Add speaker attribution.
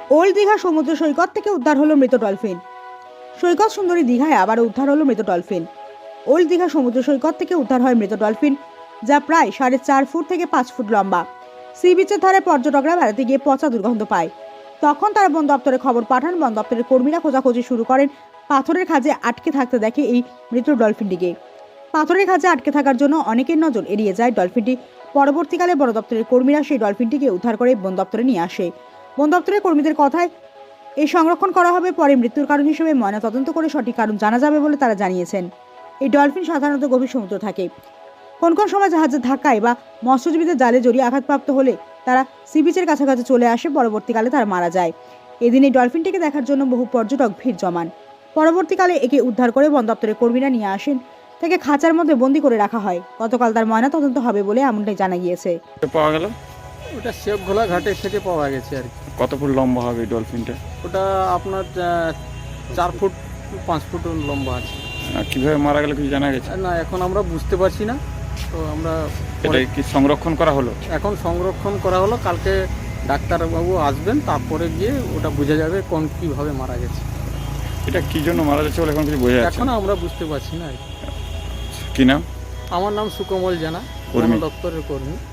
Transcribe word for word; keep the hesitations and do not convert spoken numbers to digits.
Speaker 1: Old Digha সমুদ্র সৈকত থেকে উদ্ধার হলো মৃত ডলফিন। সৈকত সুন্দরী দীঘায় আবারও উদ্ধার হলো মৃত ডলফিন। ওল্ড দীঘা সমুদ্র সৈকত থেকে উদ্ধার হয় মৃত ডলফিন, যা প্রায় সাড়ে চার ফুট থেকে পাঁচ ফুট লম্বা। সি বিচের ধারে পর্যটকরা বেড়াতে গিয়ে পচা দুর্গন্ধ পায়। তখন তারা বন দপ্তরে খবর পাঠান। বন দপ্তরের কর্মীরা খোঁজাখুঁজি শুরু করেন। পাথরের খাঁজে আটকে থাকতে দেখে এই মৃত ডলফিনটিকে। পাথরের খাঁজে আটকে থাকার জন্য অনেকের নজর এড়িয়ে যায় ডলফিনটি। পরবর্তীকালে বন দপ্তরের কর্মীরা সেই ডলফিনটিকে উদ্ধার করে বন দপ্তরে নিয়ে আসে। বন দপ্তরের কর্মীদের কথায় এই সংরক্ষণ করা হবে, পরে মৃত্যুর কারণ হিসেবে ময়নাতদন্ত করে সঠিক কারণ জানা যাবে বলে তারা জানিয়েছেন। এই ডলফিন সাধারণত গভীর সমুদ্র থাকে। কোন কোন সময় জাহাজের ধাক্কায় বা মৎস্যজীবীদের জালে জড়িয়ে আঘাতপ্রাপ্ত হলে তারা সি বিচের কাছাকাছি চলে আসে। পরবর্তীকালে তারা মারা যায়। এদিন এই ডলফিনটিকে দেখার জন্য বহু পর্যটক ভিড় জমান। পরবর্তীকালে একে উদ্ধার করে বন দপ্তরের কর্মীরা নিয়ে আসেন। তাকে খাঁচার মধ্যে বন্দি করে রাখা হয়। গতকাল তার ময়নাতদন্ত হবে বলে এমনটাই জানা গিয়েছে।
Speaker 2: পাওয়া গেল
Speaker 3: ওটা শেপঘোলা ঘাটের থেকে পাওয়া গেছে আর কি।
Speaker 2: কত ফুট লম্বা হবে এই ডলফিনটা?
Speaker 3: ওটা আপনার আহ, চার ফুট পাঁচ ফুট লম্বা আছে।
Speaker 2: আর কিভাবে মারা গেল কিছু জানা গেছে?
Speaker 3: না, এখন আমরা বুঝতে পারছি না। তো আমরা
Speaker 2: এটা
Speaker 3: পরে-
Speaker 2: কি সংরক্ষণ করা হলো?
Speaker 3: এখন সংরক্ষণ করা হলো। কালকে ডাক্তারবাবু আসবেন, তারপরে গিয়ে ওটা বোঝা যাবে কোন কীভাবে মারা গেছে।
Speaker 2: এটা কি জন্য মারা যাচ্ছে বলে এখন কিছু বোঝা যাচ্ছে
Speaker 3: এখন
Speaker 2: না।
Speaker 3: আমরা বুঝতে পারছি না আর কি।
Speaker 2: কি নাম?
Speaker 3: আমার নাম সুকমল জানা, বন
Speaker 2: কর্মী।
Speaker 3: দপ্তরের কর্মী।